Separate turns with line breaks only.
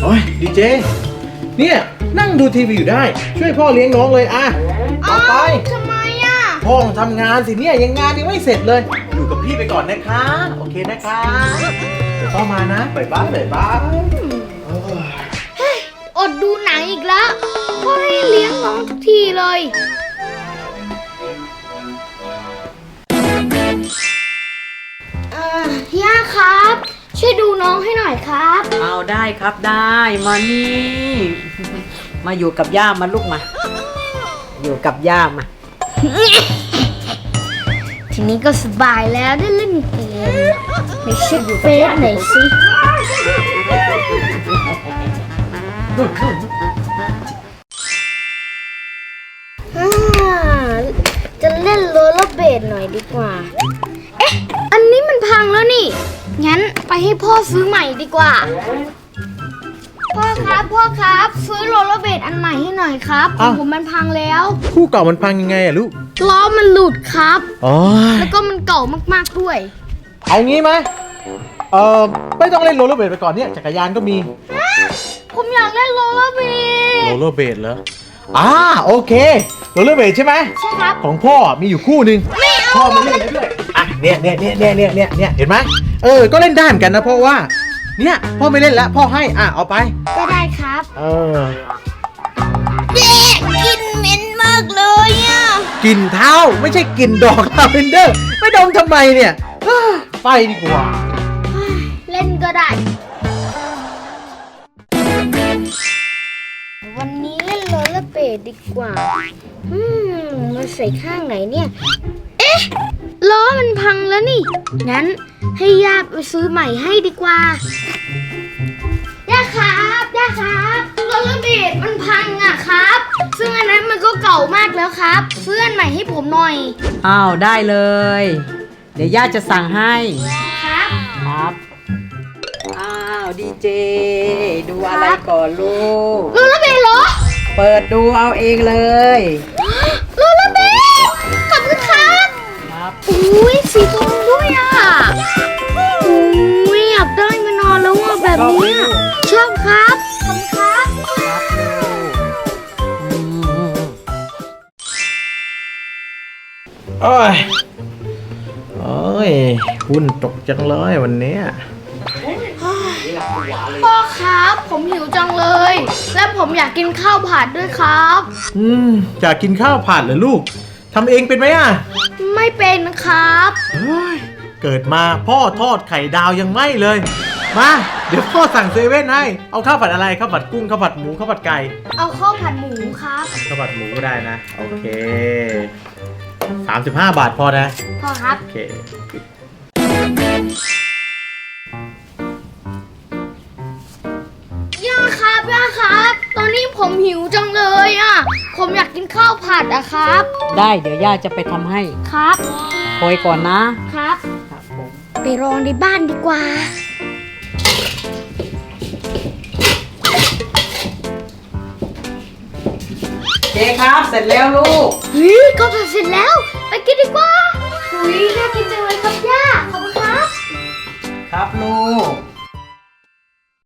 อ้ยดีเจเนี่ยนั่งดูทีวีอยู่ได้ช่วยพ่อเลี้ยงน้องเลยอ่ะต่อไป
ทำไมอ่ะ
พ่อทำงานสิเนี่ยยังงานยังไม่เสร็จเลยอยู่กับพี่ไปก่อนนะคะโอเคนะคะเดี๋ยวพ่อมานะบ๊ายบายบ๊ายบาย
อดดูหนังอีกแล้วพ่อให้เลี้ยงน้องทุกทีเลยย่าครับช่วยดูน้องให้หน่อยครับ
เอาได้ครับได้มานี่มาอยู่กับย่ามาลูกมาอยู่กับย่ามา
ทีนี้ก็สบายแล้วได้เล่นเกมในเช็คเฟซหน่อยสิจะเล่นโรลเลอร์เบดหน่อยดีกว่าเอ๊ะอันนี้มันพังแล้วนี่งั้นไปให้พ่อซื้อใหม่ดีกว่าพ่อครับซื้อโรลเลอร์เบดอันใหม่ให้หน่อยครับของผมมันพังแล้ว
คู่เก่ามันพังยังไงอะลูก
ล้อมันหลุดครับ
อ๋อ
แล้วก็มันเก่ามากๆด้วย
เอางี้ไหมไม่ต้องเล่นโรลเลอร์เบดไปก่อนเนี่ยจักรยานก็มี
ผมอยากเล่นโรลเลอร์เบด
โรลเลอร์เบดเหรอโอเคโรลเลอร์เบดใช่ไหม
ใช่ครับ
ของพ่อมีอยู่คู่หนึ่งพ่อมาเล่นได้ด้วยอ่ะเนี่ยเห็นไหมก็เล่นได้เหมือนกันนะเพราะว่าเนี่ยพ่อไม่เล่นแล้วพ่อให้เอาไป
ก็ได้ครับเจ๊กินเหม็นมากเลยอ่ะ
กลิ่นเท้าไม่ใช่กลิ่นดอกลาเวนเดอร์ไม่ดมทำไมเนี่ยไปดีกว่า
เล่นก็ได้วันนี้เล่นโรลเลอร์เบดดีกว่ามาใส่ข้างไหนเนี่ยเอ๊ะล้อมันพังแล้วนี่งั้นให้ย่าไปซื้อใหม่ให้ดีกว่าย่าครับโรลเลอร์เบดมันพังอ่ะครับซึ่งอันนั้นมันก็เก่ามากแล้วครับซื้ออันใหม่ให้ผมหน่อย
อ้าวได้เลยเดี๋ยวย่าจะสั่งให้
ครับ
อ้าวดีเจดูอะไรก่อนลูก
โรลเลอร์เบดเหรอ
เปิดดูเอาเองเลย
โรลเลอร์เบดขอบคุณครับอุ้ยสีทองด้วยอ่ะอุ้ยอยากได้มานอนแล้วอ่ะแบบนี้ชอบครับขอบคุณครับ
โอ้ยหุ้นตกจังเลยวันนี้
พ่อครับผมหิวจังเลยและผมอยากกินข้าวผัดด้วยครับ
อยากกินข้าวผัดเหรอลูกทำเองเป็นไหม
ไม่เป็นครับ
เกิดมาพ่อทอดไข่ดาวยังไม่เลยมาเดี๋ยวพ่อสั่งเซเว่นให้เอาข้าวผัดอะไรข้าวผัดกุ้งข้าวผัดหมูข้าวผัดไก่
เอาข้าวผัดหมูครับ
ข้าวผัดหมูก็ได้นะโอเค35 บาทพอนะ
พอครับ
โอเค
ย่าครับตอนนี้ผมหิวจังเลยอ่ะผมอยากกินข้าวผัดอะครับ
ได้เดี๋ยวย่าจะไปทำให้
ครับ
คอยก่อนนะครับ
ผมไปรอในบ้านดีกว่า
เจ๊ครับเสร็จแล้วลูก
ข้าวผัดเสร็จแล้วไปกินดีกว่าน่ากินจังเลยครับย่าขอบคุณครับ
ครับลูก